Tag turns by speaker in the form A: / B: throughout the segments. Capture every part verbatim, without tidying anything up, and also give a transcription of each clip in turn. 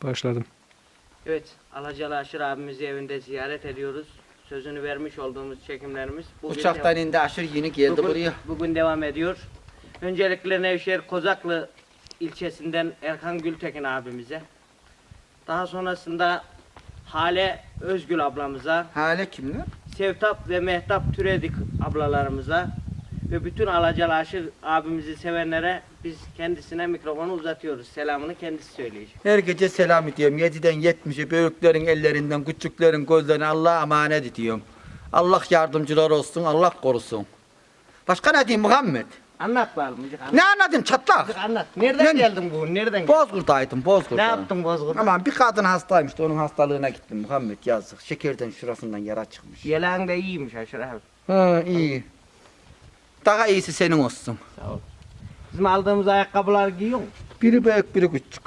A: Başladım.
B: Evet, Alacalı Aşır abimizi evinde ziyaret ediyoruz. Sözünü vermiş olduğumuz çekimlerimiz bugün,
C: Uçaktan indi Aşır yeni geldi
B: bugün,
C: buraya.
B: bugün devam ediyor. Öncelikle Nevşehir Kozaklı ilçesinden Erkan Gültekin abimize. Daha sonrasında Hale Özgül ablamıza,
C: Hale kimler?
B: Sevtap ve Mehtap Türedik ablalarımıza ve bütün Alacalı Aşır abimizi sevenlere biz kendisine mikrofonu uzatıyoruz. Selamını kendisi söyleyecek.
C: Her gece selam ediyorum. yediden yetmişe büyüklerin ellerinden, küçüklerin gözlerine Allah'a emanet ediyorum. Allah yardımcılar olsun, Allah korusun. Başka ne diyeyim Muhammed?
B: Anlat bakalım. Anlat.
C: Ne anladın çatlak?
B: Anlat. Nereden
C: Ben-
B: geldin bugün? Nereden geldin?
C: Bozkurt'taydım, Bozkurt'ta.
B: Ne yaptın Bozkurt'ta?
C: Aman bir kadın hastaymış da onun hastalığına gittim Muhammed yazık. Şekerden şurasından yara çıkmış.
B: Yeleğin de iyiymiş Aşır abi.
C: Ha iyi. Daha iyisi senin olsun.
B: Sağ ol. Bizim aldığımız ayakkabılar giyiyor musun?
C: Biri büyük, biri küçük.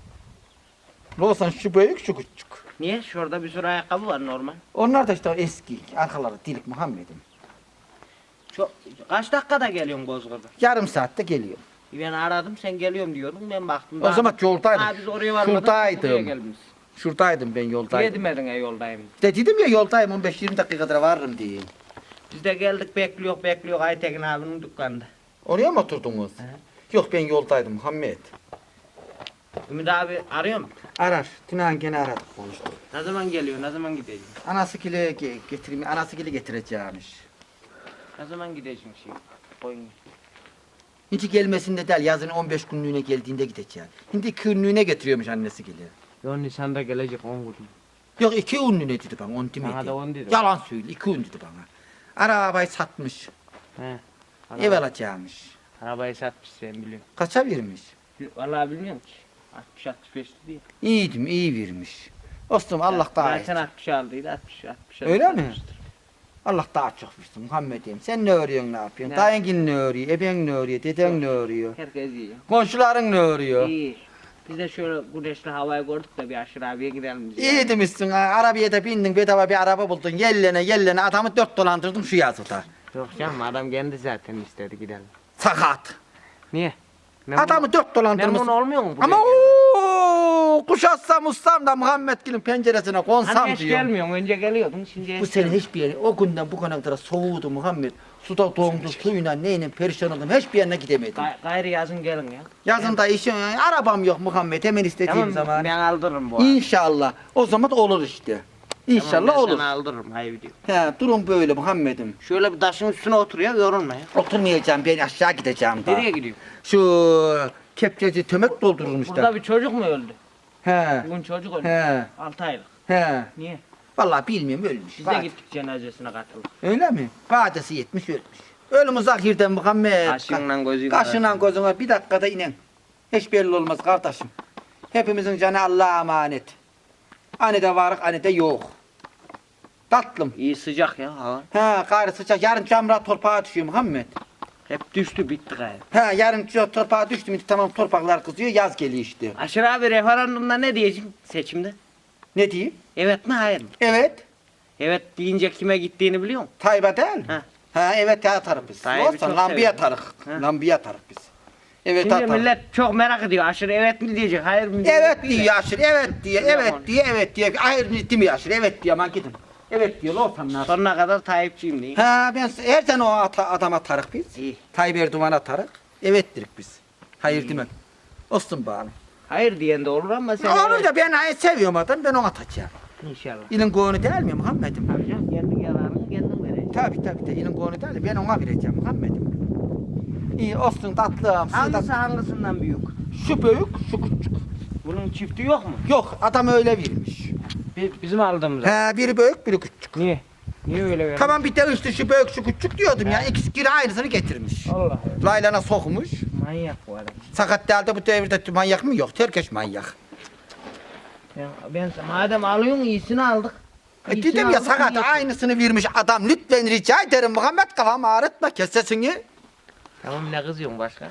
C: Olsan şu büyük, şu küçük.
B: Niye? Şurada bir sürü ayakkabı var normal.
C: Onlar da işte eski, arkaları dilik Muhammed'im.
B: Çok, kaç dakikada geliyorsun Bozkurt'a?
C: Yarım saatte geliyor.
B: Ben aradım sen geliyorum diyordun ben baktım.
C: O zaman yoldaydım.
B: Ha, biz oraya varmadık.
C: Şuradaydım.
B: Buraya gelmişiz.
C: Şuradaydım ben
B: Niye
C: yoldaydım.
B: demedin ya yoldayım?
C: De dedim ya yoldayım on beş yirmi dakikada varırım diye.
B: Biz de geldik bekliyor bekliyor Aytekin abinin dükkanında.
C: Oraya mı oturdunuz?
B: He.
C: Yok ben yoldaydım Muhammed.
B: Ümit abi arıyor mu?
C: Arar. Tünan gene aradık konuştuk.
B: Ne zaman geliyor ne zaman gideceğim?
C: Anası kile ge getireyim, anası kile getireceğimiş.
B: Ne zaman gideceğim şey? Koyun.
C: Hiç gelmesinde değil, yazın on beş günlüğüne geldiğinde gideceğim. Şimdi iki günlüğüne getiriyormuş annesi kile.
B: Yo Nisan'da gelecek on gün.
C: Yok iki günlüğüne dedi bana, on demedi.
B: Bana da on dedi.
C: Yalan söyle, iki gün dedi bana. Arabayı satmış,
B: He.
C: ev alacakmış.
B: Arabayı satmış sen biliyorsun.
C: Kaça vermiş?
B: Vallahi bilmiyorum ki. altmış altmış beş değil.
C: İyiydim, iyi vermiş. Dostum Allah daha iyi.
B: Zaten altmış aldıydı altmış altmış.
C: Öyle mi? Allah daha çok versin Muhammed'im. Sen ne örüyorsun, ne yapıyorsun?
B: Ne?
C: Dayın ne örüyor, eben ne örüyor, deden ne örüyor?
B: Herkes iyi.
C: Komşuların ne örüyor?
B: İyi. Biz de şöyle güneşli havayı gördük de bir Aşır abiye gidelim biz.
C: İyi demişsin ha, arabaya da bindin, bedava bir araba buldun, yellene yellene adamı dört dolandırdın şu yazıda.
B: Yok canım adam kendi zaten istedi gidelim.
C: Sakat.
B: Niye? Memnun,
C: Adamı dört dolandırmışsın.
B: memnun olmuyor mu?
C: Ama ooo kuşatsam ustam da Muhammed Gül'ün penceresine konsam
B: Hani hiç
C: diyorum.
B: gelmiyorsun önce geliyordun şimdi
C: Bu sene hiçbir yere, o günden bu kadar soğudu Muhammed. Suda dondu, suyuna neyle perişan oldum, hiçbir yerine gidemedim.
B: Gay gayrı yazın gelin ya.
C: Yazın da işim, arabam yok Muhammed, hemen istediğim
B: Tamam
C: zaman.
B: ben aldırırım bu arada.
C: İnşallah, o zaman olur işte. İnşallah
B: Tamam, ben
C: olur.
B: sana aldırırım hayır diyor.
C: He, durum böyle Muhammed'im.
B: Şöyle bir taşın üstüne oturuyor yorulma ya.
C: Oturmayacağım, ben aşağı gideceğim daha.
B: Nereye gidiyor?
C: Şu kepçeci tömek doldurulmuş
B: Burada
C: da.
B: bir çocuk mu öldü?
C: He,
B: Bugün çocuk öldü.
C: he,
B: altı aylık.
C: he.
B: Niye?
C: Vallahi bilmiyorum ölmüş.
B: Biz de
C: Vade-
B: gittik cenazesine katıldık.
C: Öyle mi? Vadesi yetmiş ölmüş. Ölüm uzakirden Muhammed.
B: Kaşığından gözüyle.
C: Kaşından gözüne bir dakikada inen. Hiç belli olmaz kardeşim. Hepimizin canı Allah'a emanet. Hani de varık, hani de yok. Tatlım.
B: İyi sıcak ya hava.
C: He, gayrı sıcak. Yarın camra torpağa düşüyor Muhammed.
B: Hep düştü bitti gayrı.
C: He, yarın şu torpağa düştü mü tamam torpaklar kızıyor, yaz geliyor işte.
B: Aşır abi referandumda ne diyeceksin seçimde?
C: Ne diyeyim?
B: Evet mi hayır mı?
C: Evet.
B: Evet deyince kime gittiğini biliyor musun?
C: Tayyip'e değil mi?
B: Ha.
C: Ha evet ya atarık biz.
B: Tayyip'i
C: Olsun
B: çok
C: lambiye
B: seviyorum.
C: atarık.
B: Ha.
C: Lambiye atarık biz. Evet
B: Şimdi
C: atarık.
B: millet çok merak ediyor. Aşır evet mi diyecek, hayır mı diyecek?
C: Evet
B: değil
C: diyor
B: de.
C: Yaşır, evet diye,
B: Biliyorum
C: evet
B: onu.
C: diye, evet diye. Hayır ciddi mi Yaşır, evet diye aman gidin. Evet diyor, olsam nasıl?
B: Sonuna kadar Tayyipçiyim diyeyim.
C: Ha ben her sene o ata, adama atarık biz.
B: İyi.
C: Tayyip Erdoğan'a atarık. Evet dedik biz. Hayır
B: İyi.
C: demem. Olsun bana.
B: Hayır diyen de olur ama sen
C: Onu
B: evet.
C: da ben hayır seviyorum adam, ben onu atacağım.
B: İnşallah.
C: İlin koğunu değil mi Muhammed'im?
B: Tabii canım kendi yararını kendin vereceksin.
C: Tabii tabii de ilin koğunu değil, ben ona vereceğim Muhammed'im. İyi olsun tatlım. siz de-
B: Hangisi hangisinden büyük?
C: Şu büyük, şu küçük.
B: Bunun çifti yok mu?
C: Yok adam öyle vermiş.
B: Bi- Bizim aldığımız.
C: He biri büyük biri küçük.
B: Niye? Niye öyle verdin?
C: Tamam bir de üstü şu büyük şu küçük diyordum ya. İkisi geri aynısını getirmiş.
B: Allah Allah.
C: Laylana sokmuş.
B: Manyak bu adam.
C: Sakat değil de bu devirde manyak mı? Yok. Herkes manyak.
B: Ben, ben madem alıyorsun iyisini aldık.
C: E
B: İyisini
C: dedim ya
B: aldık,
C: sakat
B: iyi yaptık.
C: aynısını vermiş adam. Lütfen rica ederim Muhammed kafamı ağrıtma kes sesini.
B: Tamam ne kızıyorsun başkan?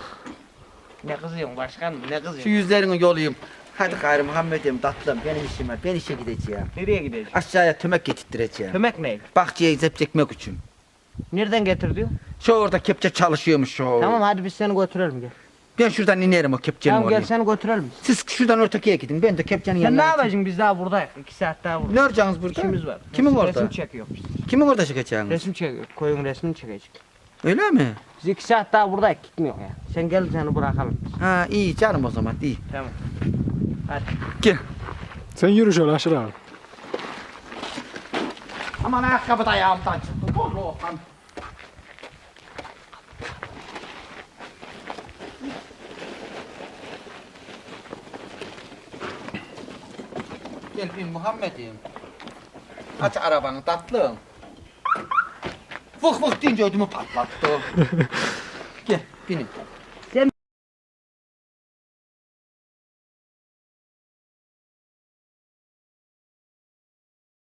B: Ne kızıyorsun başkan? Ne
C: Şu
B: kızıyorsun?
C: yüzlerini yolayım. Hadi gayrı Muhammed'im tatlım benim işim var. Ben işe gideceğim.
B: Nereye gideceksin?
C: Aşağıya tömek getirttireceğim.
B: Kömek ne?
C: Bahçeye zep çekmek için.
B: Nereden getir diyor?
C: Şu orada kepçe çalışıyormuş şu.
B: Tamam hadi biz seni götürelim gel.
C: Ben şuradan inerim o kepçenin
B: Tamam
C: oraya.
B: gel seni götürelim.
C: Siz şuradan ötekiye gidin. Ben de kepçenin
B: Sen
C: yanına
B: ne
C: gideyim.
B: yapacaksın biz daha buradayız. İki saat daha burada.
C: Ne yapacaksınız burada?
B: İşimiz var.
C: Kimin
B: Resim-
C: orada?
B: Resim çekiyor biz.
C: Kimin orada çıkacaksınız?
B: Resim çekiyor. Koyun resmini çekecek.
C: Öyle mi?
B: Biz iki saat daha buradayız gitmiyor ya. Sen gel seni bırakalım.
C: Ha iyi canım o zaman iyi.
B: Tamam. Hadi.
C: Gel.
A: Sen yürü şöyle aşağı abi.
C: Aman ayakkabı da ayağımdan çıktı. Doğru Okan. Gel bin Muhammed'im. Aç arabanı tatlım. Fık fık deyince ödümü patlattı. Gel binin.